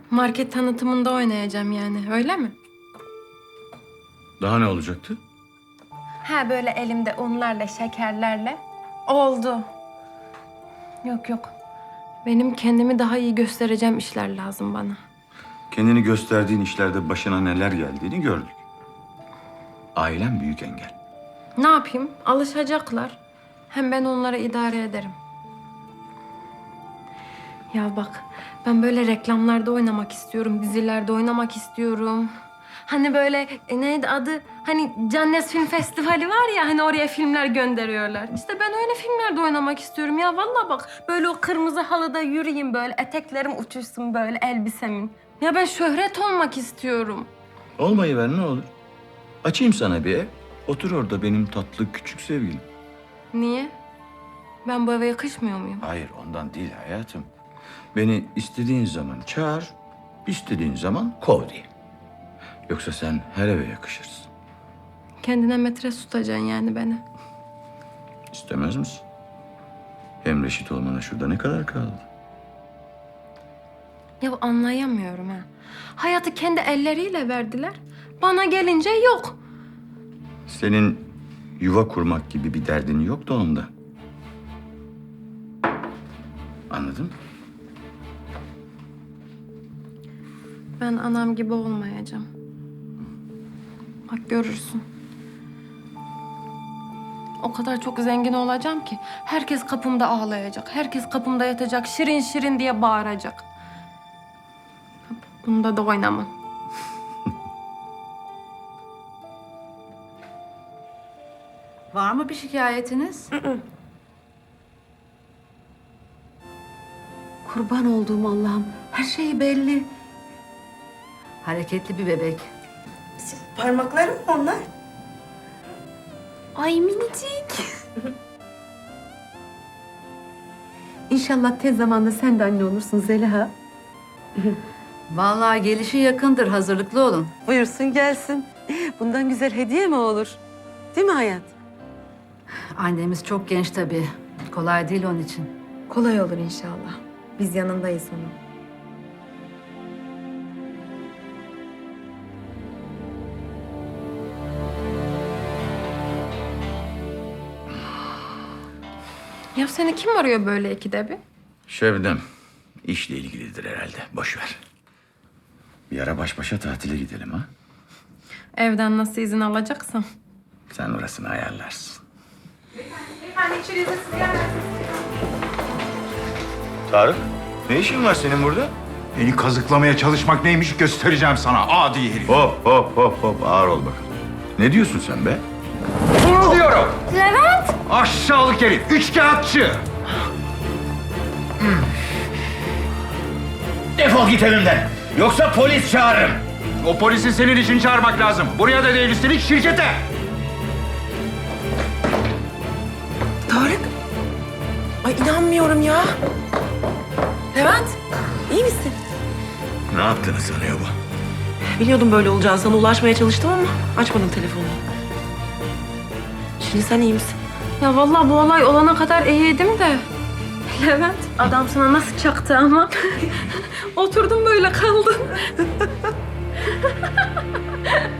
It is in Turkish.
Market tanıtımında oynayacağım yani, öyle mi? Daha ne olacaktı? Ha böyle elimde unlarla, şekerlerle. Oldu. Yok yok. Benim kendimi daha iyi göstereceğim işler lazım bana. Kendini gösterdiğin işlerde başına neler geldiğini gördük. Ailen büyük engel. Ne yapayım? Alışacaklar. Hem ben onlara idare ederim. Ya bak, ben böyle reklamlarda oynamak istiyorum, dizilerde oynamak istiyorum. Hani böyle neydi adı? Hani Cannes Film Festivali var ya, hani oraya filmler gönderiyorlar. İşte ben öyle filmlerde oynamak istiyorum ya. Vallahi bak, böyle o kırmızı halıda yürüyeyim böyle, eteklerim uçuşsun böyle elbisemin. Ya ben şöhret olmak istiyorum. Olmayıver ne olur. Açayım sana bir ev. Otur orada benim tatlı küçük sevgilim. Niye? Ben bu eve yakışmıyor muyum? Hayır ondan değil hayatım. Beni istediğin zaman çağır, istediğin zaman kov diye. Yoksa sen her eve yakışırsın. Kendine metre tutacaksın yani beni. İstemez misin? Hem reşit olmana şurada ne kadar kaldı? Ya anlayamıyorum ha. Hayatı kendi elleriyle verdiler. Bana gelince yok. Senin yuva kurmak gibi bir derdin yok da onda. Anladın mı? Ben anam gibi olmayacağım. Bak görürsün. O kadar çok zengin olacağım ki herkes kapımda ağlayacak. Herkes kapımda yatacak. Şirin şirin diye bağıracak. Bunda da oynamam. Var mı bir şikayetiniz? Kurban olduğum Allah'ım. Her şey belli. Hareketli bir bebek. Parmaklarım mı onlar? Ay minicik. İnşallah tez zamanda sen de anne olursun Zeliha. Vallahi gelişi yakındır. Hazırlıklı olun. Buyursun gelsin. Bundan güzel hediye mi olur? Değil mi hayat? Annemiz çok genç tabii. Kolay değil onun için. Kolay olur inşallah. Biz yanındayız onun. Ya seni kim arıyor böyle ikide bir? Şebnem, işle ilgilidir herhalde. Boş ver. Bir ara baş başa tatile gidelim ha. Evden nasıl izin alacaksam. Sen orasını ayarlarsın. Tarık, ne işin var senin burada? Beni kazıklamaya çalışmak neymiş göstereceğim sana adi herif. Hop hop hop hop ağır ol bakalım. Ne diyorsun sen be? Bunu diyorum. Levent! Aşağılık herif, üçkağıtçı. Defol git evimden. Yoksa polis çağırırım. O polisi senin için çağırmak lazım. Buraya da değil üstelik şirkete. Tarık. Ay inanmıyorum ya. Levent, iyi misin? Ne yaptığını sanıyor bu? Biliyordum böyle olacağını. Sana ulaşmaya çalıştım ama açmadın telefonu. Şimdi sen iyi misin? Ya vallahi bu olay olana kadar iyiydim de. Levent, adam sana nasıl çaktı ama. Oturdum böyle kaldım.